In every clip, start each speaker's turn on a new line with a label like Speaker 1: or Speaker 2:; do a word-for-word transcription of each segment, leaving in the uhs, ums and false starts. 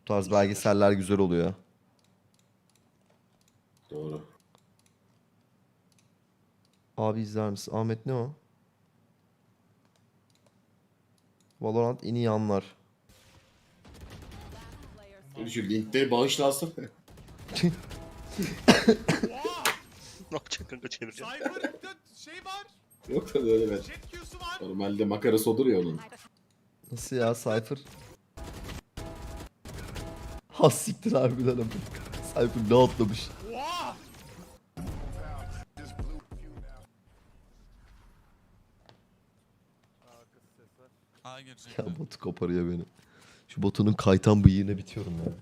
Speaker 1: Bu tarz belgeseller güzel oluyor.
Speaker 2: Doğru.
Speaker 1: Abi izler misin? Ahmet ne o? Valorant en iyi anlar.
Speaker 2: Şu linkleri bağışlansın.
Speaker 3: Ne yapacak kanka çevireceğim.
Speaker 4: Cypher'da şey var.
Speaker 2: Yok da öyle ben.
Speaker 4: Jet Q'su var.
Speaker 2: Normalde makarası olur ya onun.
Speaker 1: Nasıl ya Cypher? Has siktir harbiden ama. Cypher ne atlamış.
Speaker 4: Oha!
Speaker 5: A girecek.
Speaker 1: Ya botu koparıyor beni. Şu botunun kaytan bıyığına bitiyorum ya.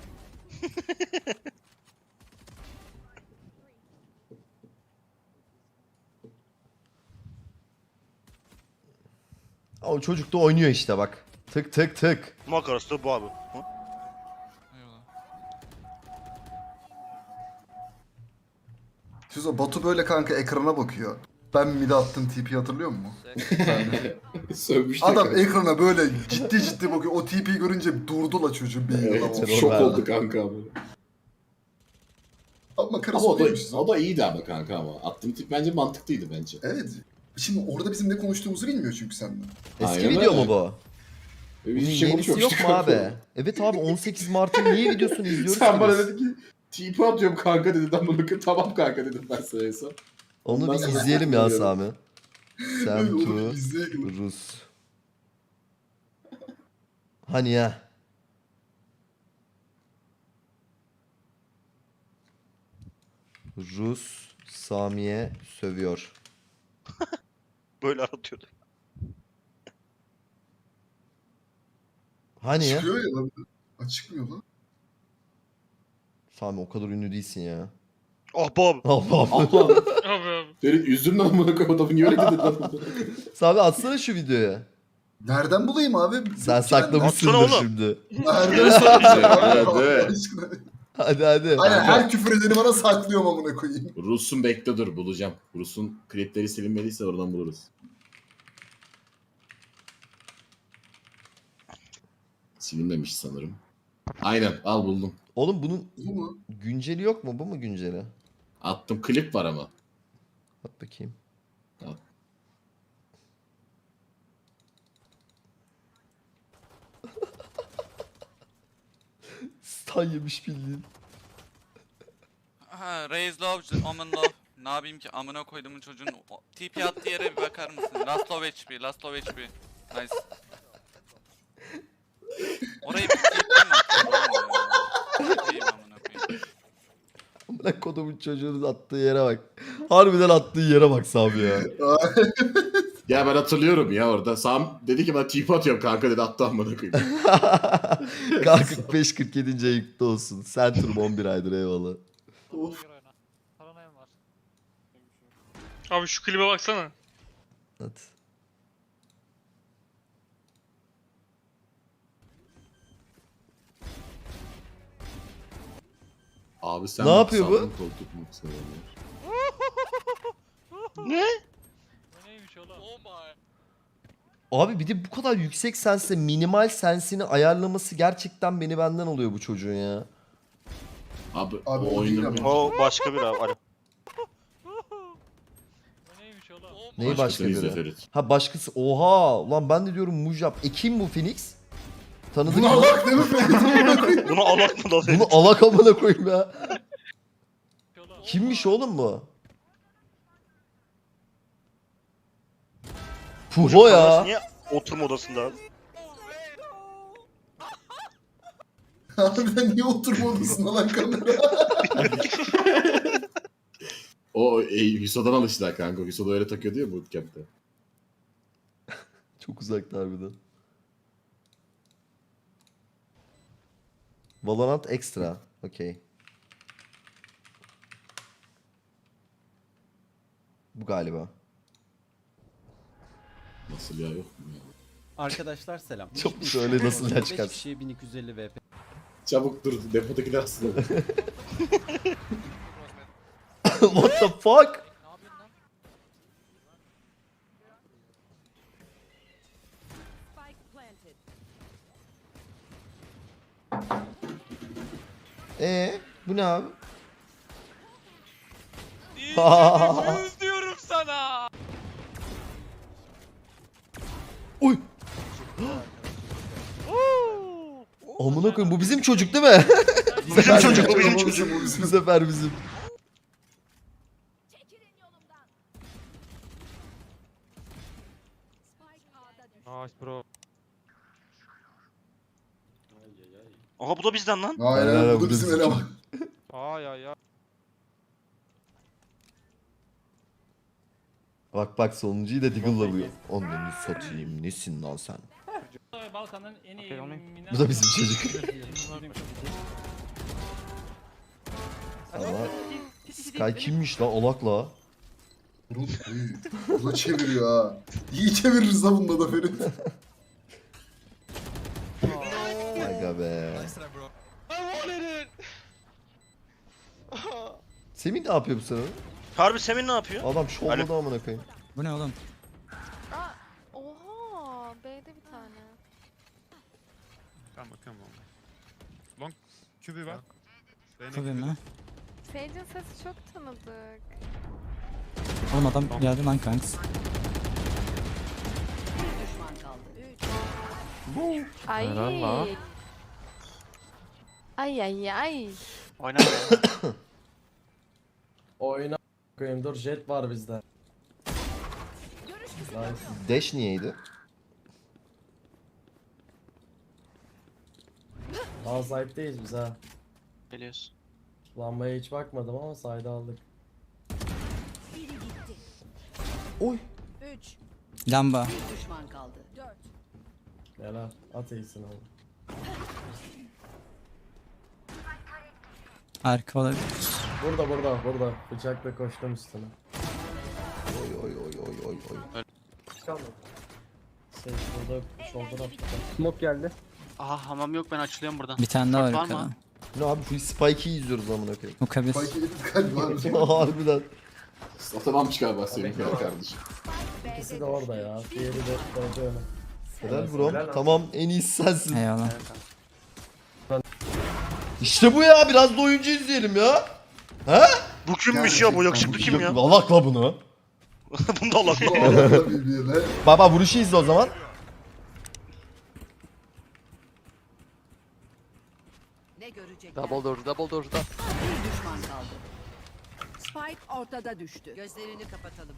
Speaker 1: O çocuk da oynuyor işte bak. Tık tık tık.
Speaker 3: Makarası da bu abi. Hı?
Speaker 5: Eyvallah.
Speaker 6: Şuzo Batu böyle kanka ekrana bakıyor. Ben mid'e attım T P'yi hatırlıyor musun?
Speaker 2: Sövmüştü.
Speaker 6: Adam
Speaker 2: kanka.
Speaker 6: ekrana böyle ciddi ciddi bakıyor. O T P'yi görünce durdu la çocuğun bir yıla.
Speaker 2: Evet,
Speaker 1: Terör
Speaker 2: şok
Speaker 1: verdi.
Speaker 2: oldu kanka abi.
Speaker 6: Ama karısı
Speaker 2: Ama o
Speaker 6: oymuş.
Speaker 2: da, o da iyiydi ama kanka ama. Attığım tip bence mantıklıydı bence.
Speaker 6: Evet. Şimdi orada bizim ne konuştuğumuzu bilmiyor çünkü senden.
Speaker 1: Eski
Speaker 2: Aynen
Speaker 1: video
Speaker 2: öyle.
Speaker 1: mu bu?
Speaker 2: Biz
Speaker 1: Bunun
Speaker 2: bir şey
Speaker 1: yenisi yok
Speaker 2: konuşmamıştık
Speaker 1: mu
Speaker 2: kanka.
Speaker 1: abi? Evet abi on sekiz Mart'ın niye videosunu izliyoruz
Speaker 2: Sen
Speaker 1: ki
Speaker 2: bana
Speaker 1: biz?
Speaker 2: dedin ki tipi atıyorum kanka dedi. Ben bunu tamam kanka dedim ben sana en son.
Speaker 1: Onu
Speaker 2: Ondan
Speaker 1: bir
Speaker 2: sonra
Speaker 1: izleyelim ya
Speaker 2: hatırlıyorum.
Speaker 1: Sami. Sam
Speaker 6: Öyle
Speaker 1: to
Speaker 6: onu izleyelim.
Speaker 1: Rus. Hani ya? Rus Sami'ye sövüyor.
Speaker 3: Böyle aratıyordu.
Speaker 1: Hani ya?
Speaker 6: Çıkıyor ya lan. Ha, çıkmıyor lan.
Speaker 1: Sami o kadar ünlü değilsin ya.
Speaker 3: Ah bu abi.
Speaker 1: Allah Allah.
Speaker 2: Allah'ım.
Speaker 5: Abi abi.
Speaker 2: Ferit üzdün lan bunu koyayım adamı niye öyle dedin lan?
Speaker 1: Sami atsana şu videoyu.
Speaker 6: Nereden bulayım abi?
Speaker 1: Sen
Speaker 6: Yok ki ben-
Speaker 1: saklamışsındır
Speaker 3: Atsana oğlum.
Speaker 1: şimdi.
Speaker 6: Nereden saklayacağım?
Speaker 2: Hadi.
Speaker 6: Allah aşkına.
Speaker 1: Hadi hadi.
Speaker 6: Aynen her küfür edeni bana saklıyorum amına koyayım.
Speaker 2: Rus'un bekle dur bulacağım. Rus'un klipleri silinmediyse oradan buluruz. Silinmemiş sanırım. Aynen al buldum.
Speaker 1: Oğlum bunun
Speaker 6: Bu mu?
Speaker 1: günceli yok mu? Bu mu günceli?
Speaker 2: Attım klip var ama.
Speaker 1: At bakayım.
Speaker 2: Al.
Speaker 1: Stan yemiş bildiğin.
Speaker 5: Ha, Raise Love, Omen Love. Ne yapayım ki amına koyduğumun çocuğun o- T P attığı yere bir bakar mısın? Last of H P, Last of H P. Nice. Orayı bir T P mi atıyorsun? T P'yim amına koyayım.
Speaker 1: Amına kodumun çocuğunun attığı yere bak. Harbiden attığı yere bak Sami ya.
Speaker 2: Ya ben hatırlıyorum ya orada. Sam dedi ki ben tipi atıyorum kanka dedi attı amına koyayım.
Speaker 1: K kırk beş kırk yedinci ayıkta olsun. Centrum on bir aydır eyvallah.
Speaker 6: Of.
Speaker 7: Abi şu klibe baksana.
Speaker 1: At.
Speaker 2: Abi sen
Speaker 1: Ne yapıyor bu?
Speaker 2: sandın koltuk mu seviyorsun?
Speaker 3: Ne?
Speaker 1: Abi bir de bu kadar yüksek sense minimal sensini ayarlaması gerçekten beni benden oluyor bu çocuğun ya.
Speaker 2: Abi,
Speaker 6: Abi
Speaker 2: o
Speaker 6: o değil
Speaker 2: oyunun
Speaker 6: ama.
Speaker 3: O başka bir abi. Alo.
Speaker 1: Neyi başka
Speaker 2: başkasını izle
Speaker 1: biri?
Speaker 2: Ferit.
Speaker 1: Ha başkası. Oha! Ulan ben de diyorum Mujab. E kim bu Phoenix? Tanıdık
Speaker 6: Buna
Speaker 1: mı?
Speaker 6: bak değil mi Ferit?
Speaker 3: Bunu alak mı lan?
Speaker 1: Bunu alak amına koyayım ya. Kimmiş oğlum bu? Puho ya.
Speaker 3: Niye oturma odasında abi?
Speaker 6: Harbiden niye oturma odasında lan kamera?
Speaker 2: O e, Hüso'dan alıştılar kanka. Hüso da öyle takıyordu ya bootcamp'te.
Speaker 1: Çok uzakta harbiden. Valorant Extra. Okey. Bu galiba.
Speaker 2: Nasıl ya yok mu ya?
Speaker 8: Arkadaşlar selam.
Speaker 1: Çok söyle nasıl ya
Speaker 8: beş
Speaker 1: çıkarsın.
Speaker 8: kişiye bin iki yüz elli V P.
Speaker 2: Çabuk dur depodakiler aslında.
Speaker 1: What the fuck?
Speaker 9: Spike planted.
Speaker 1: Ee, bu ne abi?
Speaker 5: Yüz diyorum sana.
Speaker 1: Uy. Amına koyayım bu bizim çocuk değil mi?
Speaker 3: Bizim çocuk, bu bizim
Speaker 6: Bu
Speaker 3: çocuk.
Speaker 6: bu
Speaker 1: Bu
Speaker 6: bizim.
Speaker 1: sefer bizim.
Speaker 4: Nice bro.
Speaker 3: Aha bu da bizden lan.
Speaker 6: Aynen
Speaker 1: Aynen,
Speaker 6: bu
Speaker 1: bu
Speaker 6: da
Speaker 1: da
Speaker 6: bizim
Speaker 1: bizim
Speaker 6: eleman.
Speaker 4: Ay ay ay.
Speaker 1: Bak bak sonuncuyu da Diggle'la vuruyor. Onları satayım. Nesin lan sen?
Speaker 8: Balkan'ın en iyi
Speaker 4: Okey, okey.
Speaker 1: Bu da bizim çocuk. Ama Sky kimmiş lan olakla?
Speaker 6: Burun, uy, Bu da çeviriyor ha. İyi çeviririz ha bunda da Ferit.
Speaker 1: Aga be. Semih ne yapıyor bu sırada?
Speaker 3: Harbi Semih ne yapıyor?
Speaker 1: Adam şovladı amına koyayım.
Speaker 9: Bu ne oğlum?
Speaker 10: Aa, oha, B'de bir tane.
Speaker 4: Tamam tamam. Long kübü var.
Speaker 9: Tabii mi?
Speaker 10: Sage'in sesi çok tanıdık.
Speaker 9: Oğlum adam geldi lan kanks.
Speaker 10: Ay.
Speaker 4: Helal la.
Speaker 10: Ay ay ay.
Speaker 3: Oyna.
Speaker 8: Oyna koyayım dur jet var bizde.
Speaker 1: Dash niyeydi?
Speaker 8: Daha sahipteyiz biz ha.
Speaker 3: Geliyoruz.
Speaker 8: Lambaya hiç bakmadım ama sayda aldık.
Speaker 1: Oy.
Speaker 9: Lamba.
Speaker 8: Helal at iyisin oğlum.
Speaker 9: Arka olabilir.
Speaker 8: Burada burada burada. Bıçakla koştum üstüne.
Speaker 1: Oy oy oy oy oy oy.
Speaker 8: Kalmadı. Sage burada shoulder attı.
Speaker 4: Smoke geldi.
Speaker 3: Aha hamam yok ben açılıyorum buradan.
Speaker 9: Bir tane daha var
Speaker 3: Var mı?
Speaker 9: yukarıda.
Speaker 1: Ne abi şu Spike'i izliyoruz amına koyayım.
Speaker 9: Bu kabir.
Speaker 6: Spike edip galiba.
Speaker 1: Harbiden.
Speaker 2: Satamam çıkar bak senin ya kardeşim.
Speaker 8: İkisi de orada ya. Diğeri de orada öyle.
Speaker 1: Helal bro. Tamam en iyisi sensin.
Speaker 9: Eyvallah.
Speaker 1: İşte bu ya biraz da oyuncu izleyelim ya. He?
Speaker 3: Bu kimmiş ya bu yakışıklı kim ya?
Speaker 1: Alakla bunu.
Speaker 3: Bunda Allah.
Speaker 6: Allah'la birbirine.
Speaker 1: Baba vuruşu izle o zaman.
Speaker 10: Ne görecek?
Speaker 4: Double door, double door.
Speaker 10: Bir düşman kaldı. Spike ortada düştü. Gözlerini kapatalım.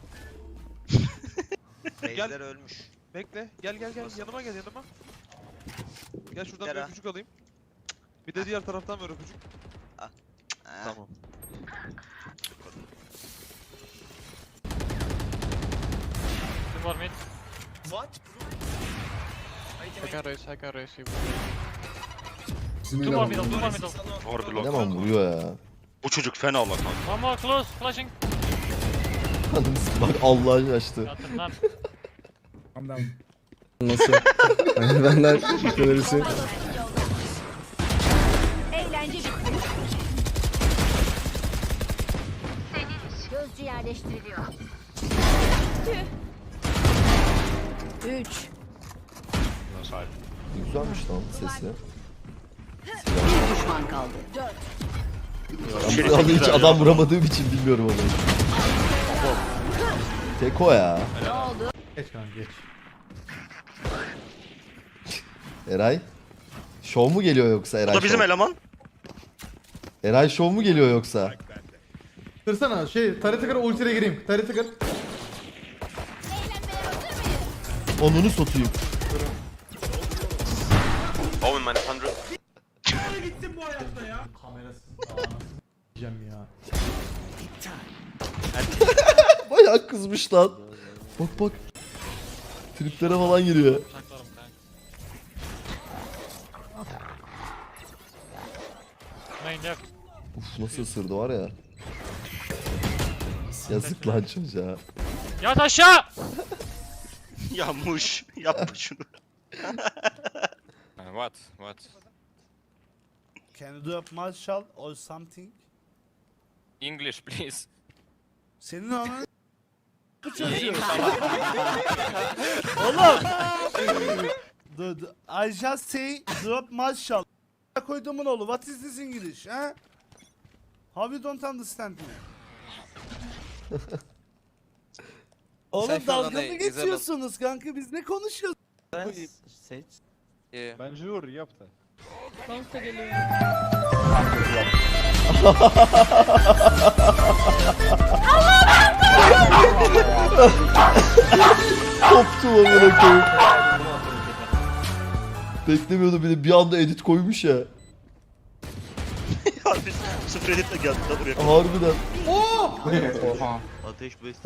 Speaker 4: Gel. ölmüş. Bekle. Gel gel gel. Yanıma gel yanıma. Gel şuradan bir öpücük alayım. Bir de diğer taraftan ver öpücük. Tamam.
Speaker 7: Kim var mid?
Speaker 4: I can raise, I can raise you.
Speaker 6: Bizim
Speaker 7: Two more
Speaker 6: eleman.
Speaker 7: middle, two more middle.
Speaker 3: Harbi lan.
Speaker 1: Eleman vuruyor ya.
Speaker 3: Bu çocuk fena Allah kanka.
Speaker 7: One more close, flashing.
Speaker 1: Bak Allah'ın açtı.
Speaker 7: Yattım lan.
Speaker 8: Nasıl? Benden böylesi.
Speaker 10: Eğlence bitti. Gözcü yerleştiriliyor. Üç.
Speaker 1: Güzelmiş lan sesi.
Speaker 10: Bir düşman kaldı. Dört.
Speaker 1: Ben bu anda hiç adam vuramadığım için bilmiyorum onu. Teko ya.
Speaker 10: Ne oldu?
Speaker 8: Geç kanka geç.
Speaker 1: Eray. Şov mu geliyor yoksa Eray
Speaker 3: Bu da bizim
Speaker 1: şov?
Speaker 3: eleman.
Speaker 1: Eray şov mu geliyor yoksa?
Speaker 8: Kırsana şey tarete kır ultiye gireyim. Tarete kır.
Speaker 1: Onunu satayım.
Speaker 8: Diyeceğim ya.
Speaker 1: Bayağı kızmış lan. Bak bak. Triplere falan giriyor.
Speaker 7: Saklarım kanka. Main left.
Speaker 1: Uf nasıl ısırdı var ya. Yazık lan çocuğa.
Speaker 7: Yat aşağı!
Speaker 3: Ya muş. Yapma şunu.
Speaker 4: What? What?
Speaker 11: Can you do a martial or something?
Speaker 4: English please.
Speaker 11: Senin anın bu çocuğu. Oğlum. The, the, I just say drop martial. koyduğumun oğlu. What is this English? Ha? How you don't understand me? Oğlum dalga mı geçiyorsunuz kanka? Biz ne konuşuyoruz?
Speaker 4: Bence vur yap da.
Speaker 1: Koptu amına koyayım. Beklemiyordum bir de bir anda edit koymuş ya.
Speaker 3: Harbi sıfır editle geldi da buraya.
Speaker 1: Harbiden.
Speaker 3: Ateş beste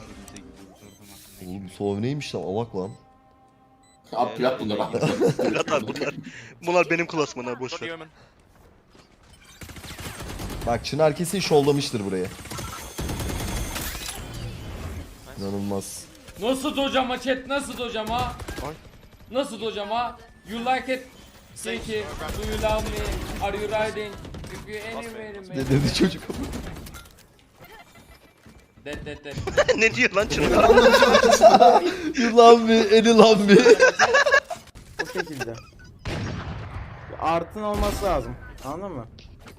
Speaker 1: Oğlum Sov neymiş lan, alak lan.
Speaker 2: Abi plat bunlar abi.
Speaker 3: Murat abi bunlar. Bunlar benim klasman abi boş ver.
Speaker 1: Bak Çınar kesin şovlamıştır burayı. İnanılmaz.
Speaker 7: Nasıl hocama chat? Nasıl hocama? Nasıl hocama? You like it? Thank you. Do you love me? Are you riding? If you anywhere in me.
Speaker 1: Ne dedi çocuk?
Speaker 7: Dead dead dead.
Speaker 3: Ne diyor lan Çınar?
Speaker 1: You love me, any love me.
Speaker 11: Bu şekilde. Artın olması lazım. Anladın mı?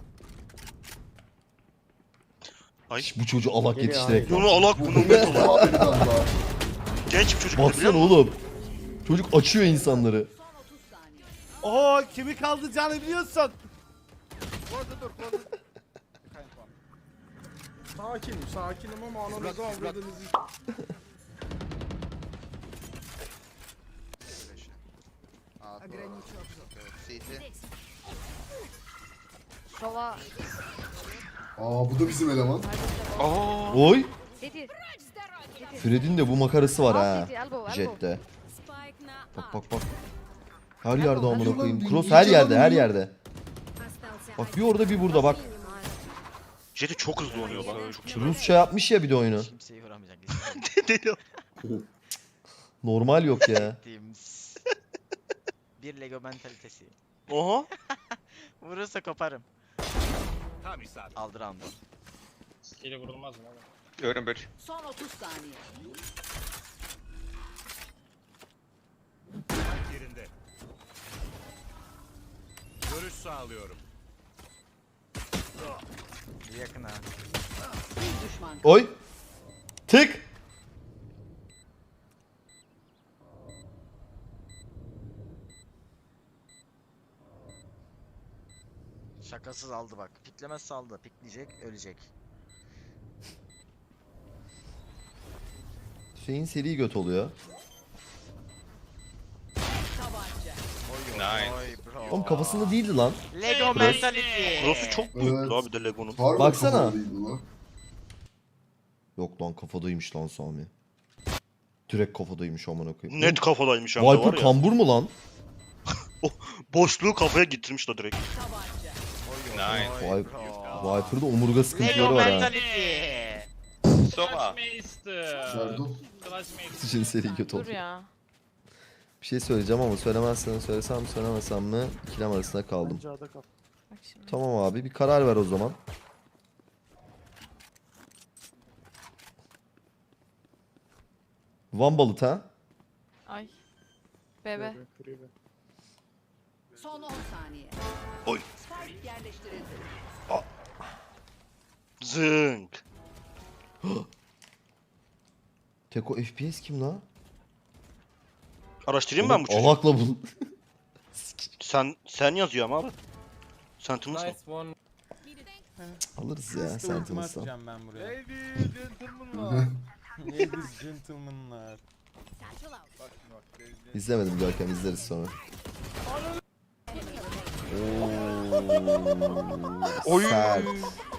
Speaker 1: Bu çocuğu alak
Speaker 11: Geliyor
Speaker 1: yetiştirek.
Speaker 3: Bunu alak bunu met olan.
Speaker 6: Abi bir tane daha.
Speaker 3: Genç bir çocuk biliyor
Speaker 1: Baksana
Speaker 3: musun?
Speaker 1: oğlum. Çocuk açıyor insanları.
Speaker 11: Oo kimi kaldıracağını biliyorsun.
Speaker 6: Sakinim sakinim ama ananızı avradınızı.
Speaker 10: Sova.
Speaker 6: Aa bu da bizim eleman.
Speaker 1: Oy.
Speaker 10: City.
Speaker 1: Fred'in de bu makarası var ha.
Speaker 10: City, elbow, elbow.
Speaker 1: Jet'te. Bak bak bak. Her yerde amına
Speaker 6: Lan,
Speaker 1: koyayım.
Speaker 6: bir-
Speaker 1: Cross
Speaker 6: bir
Speaker 1: her
Speaker 6: canım
Speaker 1: yerde, her
Speaker 6: yok.
Speaker 1: yerde. Bak bir orada bir burada bak.
Speaker 3: Jet'i çok hızlı oynuyor lan. Çok
Speaker 1: Rusça yapmış ya bir de oyunu.
Speaker 12: Kimseyi vuramayacak.
Speaker 3: deli.
Speaker 1: Normal yok ya.
Speaker 12: Bir Lego mentalitesi.
Speaker 3: Oha.
Speaker 12: Vurursa koparım. Aldır aldır.
Speaker 7: Ile vurulmaz mı?
Speaker 3: Görün böyle.
Speaker 10: Son otuz saniye.
Speaker 3: Görüş sağlıyorum.
Speaker 12: Yakın ha.
Speaker 10: Bir düşman.
Speaker 1: Oy. Tık.
Speaker 12: Şakasız aldı bak. Piklemezse aldı. Pikleyecek, ölecek.
Speaker 1: Şeyin seri göt oluyor.
Speaker 10: Tabanca.
Speaker 12: Oy bro.
Speaker 1: Oğlum kafasında değildi lan.
Speaker 12: Lego mentality.
Speaker 3: Cross'u çok büyük
Speaker 6: Evet.
Speaker 3: abi de Lego'nun.
Speaker 6: Harbi
Speaker 1: Baksana.
Speaker 6: kafalıydı lan.
Speaker 1: Yok lan kafadaymış lan Sami. Direkt kafadaymış amına koyayım.
Speaker 3: Net kafadaymış hem de var
Speaker 1: Viper
Speaker 3: ya.
Speaker 1: kambur mu lan?
Speaker 3: Boşluğu kafaya getirmiş da direkt.
Speaker 10: Tabanca.
Speaker 1: Vay- Viper'da omurga sıkıntıları
Speaker 12: Lego
Speaker 1: var ha.
Speaker 12: mentality.
Speaker 6: Serdal.
Speaker 1: Için seri göt oldu.
Speaker 10: Dur ya.
Speaker 1: Bir şey söyleyeceğim ama söylemezsen söylesem mi söylemesem mi ikilem arasında kaldım.
Speaker 10: Bak şimdi.
Speaker 1: Tamam abi bir karar ver o zaman. Van balıt ha?
Speaker 10: Ay. Bebe. Son on saniye.
Speaker 3: Oy.
Speaker 10: Spike yerleştirildi.
Speaker 3: Zınk.
Speaker 1: Teko F P S kim lan?
Speaker 3: Araştırayım ben bu çocuğu.
Speaker 1: Alakla bul.
Speaker 3: Sen sen yazıyor ama abi. Sentinels mı?
Speaker 7: one.
Speaker 1: Alırız ya Sentinels'tan.
Speaker 4: ben buraya.
Speaker 11: Ladies, gentlemenlar.
Speaker 4: Ladies, gentlemenlar.
Speaker 1: İzlemedim Görkem izleriz sonra. Oo,
Speaker 3: Oy.
Speaker 1: sert.